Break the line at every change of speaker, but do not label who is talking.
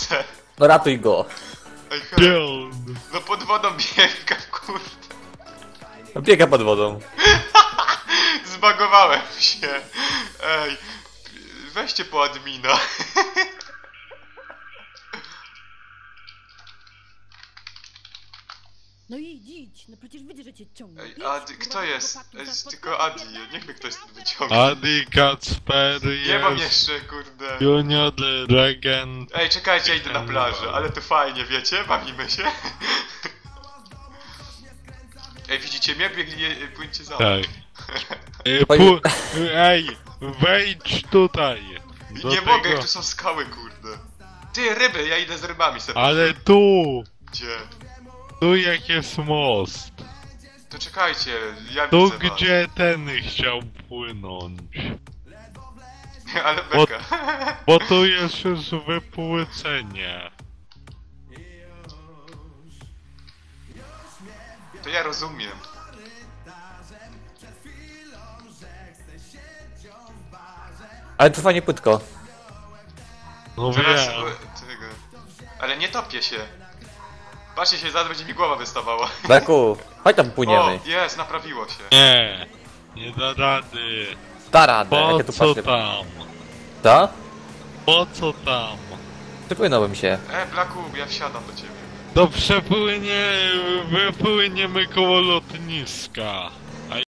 kurde.
No ratuj go.
Ej,
Gdzie on?
no pod wodą biega, kurde.
No biega pod wodą.
Zbagowałem się. Ej, weźcie po admina.
No idź, no przecież widzę, że cię ciągnie.
Ej,
Idź,
Adi,
kurwa,
kto
do
jest?
chłopaków,
Ej,
zaraz
tylko
podpłynę,
Adi,
pierdolę.
niech mnie ktoś tu wyciągnie.
Adi Kacper
Nie mam
jest
jeszcze, kurde.
Junior Regent.
Ej, czekajcie, ja idę na plażę, ale to fajnie, wiecie? Bawimy się. Ej, widzicie mnie? Biegnie, płyńcie za mną.
Tak. Ej, wejdź tutaj. Do
Nie
tego.
mogę, tu są skały, kurde. Ty, ryby, ja idę z rybami sobie.
Ale tu!
Gdzie?
Tu jak jest most.
To czekajcie, ja
Tu
widzę was.
gdzie ten chciał płynąć.
Ale beka.
Bo tu jest już wypłycenie.
To ja rozumiem.
Ale to fajnie płytko.
No
Zaraz...
wiem.
Tego. Ale nie topię się. Patrzcie się, zaraz będzie mi głowa wystawała.
Beku, chodź tam
O,
płyniemy.
jest, naprawiło się.
Nie. Nie da rady.
Da radę,
Po
jak ja tu
co
patrzę.
tam?
Co?
Po co tam?
Przypłynąłem się.
Blaku, ja wsiadam do ciebie.
Wypłyniemy koło lotniska.